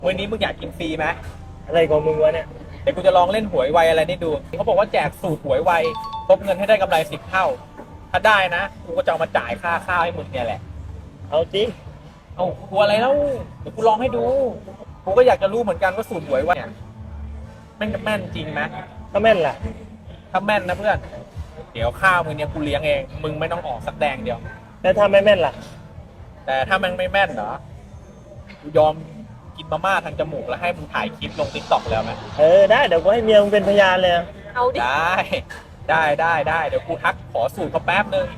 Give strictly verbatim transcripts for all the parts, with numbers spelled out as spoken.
วันนี้มึงอยากกินฟรีไหมอะไรของมึงวะเนี่ยเดี๋ยวกูจะลองเล่นหวยไวอะไรนี่ดูเขาบอกว่าแจกสูตรหวยไวทบเงินให้ได้กำไรสิบเท่าถ้าได้นะกูก็จะเอามาจ่ายค่าข้าวให้มึงเนี่ยแหละเอาจริงเอากลัวอะไรแล้วเดี๋ยวกูลองให้ดูกูก็อยากจะรู้เหมือนกันว่าสูตรหวยไวเนี่ยแม่นแม่นจริงไหมถ้าแม่นล่ะถ้าแม่นนะเพื่อนเดี๋ยวข้าวมึงเนี่ยกูเลี้ยงเองมึงไม่ต้องออกสักแดงเดียวแล้วถ้าไม่แม่นล่ะแต่ถ้ามันไม่แม่นเหรอกูยอมกินมาม่าทางจมูกแล้วให้มึงถ่ายคลิปลงติ๊กต็อกแล้วไหมเออได้เดี๋ยวกูให้เมียมึงเป็นพยานเลยเอาดิได้ได้ได้ได้เดี๋ยวกูทักขอสูตรเขาแป๊บนึง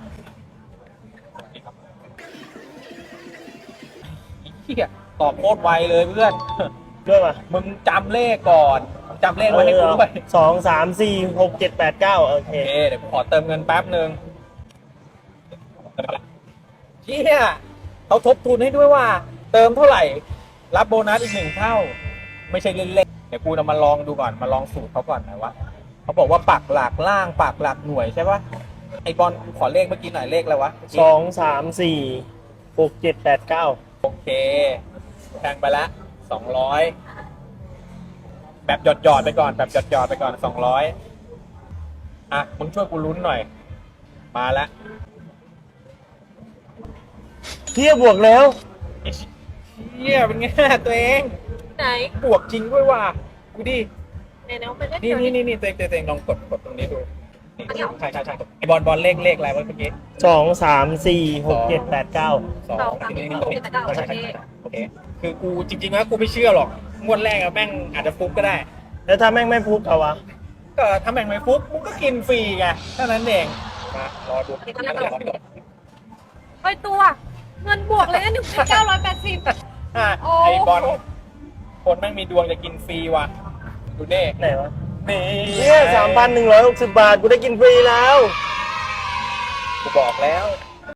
เฮียตอบโคตรไวเลยเพื่อนด้วยป่ะมึงจำเลขก่อนจำเลขไว้ให้กูด้วยสองสามสี่หกเจ็ดแปดเก้าโอเคเดี๋ยวกูขอเติมเงินแป๊บนึงเฮียเขาทบทุนให้ด้วยว่าเติมเท่าไหร่รับโบนัสอีกหนึ่งเท่าไม่ใช่เล่นๆเดี๋ยวกูนำมาลองดูก่อนมาลองสูตรเขาก่อนนะว่าเขาบอกว่าปักหลักล่างปักหลักหน่วยใช่ปะไอบอลขอเลขเมื่อกี้หน่อยเลขอะไรวะสองสามสี่หกเจ็ดแปดเก้าโอเคแทงไปละสองร้อยแบบหยอดหยอดไปก่อนแบบหยอดหยอดไปก่อนสองร้อยอ่ะมึงช่วยกูลุ้นหน่อยมาละเทียบบวกแล้วเฮียเป็นไงตัวเองไหนบวกจริงด้วยว่ะกูดิไหนเนาะมันก็นี่นี่นี่นี่ตัวเองตัวเองลองกดกดตรงนี้ดูนี่ใช่ใช่ใช่ไอบอลบอลเลขเลขอะไรวะเมื่อกี้สองสามสี่หกเจ็ดแปดเก้าสองสามสี่หกเจ็ดแปดเก้าโอเคโอเคคือกูจริงๆแล้วกูไม่เชื่อหรอกงวดแรกอะแม่งอาจจะฟุกก็ได้แล้วถ้าแม่งไม่ฟุกเอาวะก็ถ้าแม่งไม่ฟุกมึงก็กินฟรีไงเท่านั้นเองมารอดูไปตัวเงินบวกเลยนะหนึ่งพันเก้าร้อยแปดสิบอ่ะไอบอลคนแม่งมีดวงจะกินฟรีว่ะดูเน่ไหนวะนี่เนี่ยสามพันหนึ่งร้อยหกสิบบาทกูได้กินฟรีแล้วกูบอกแล้ว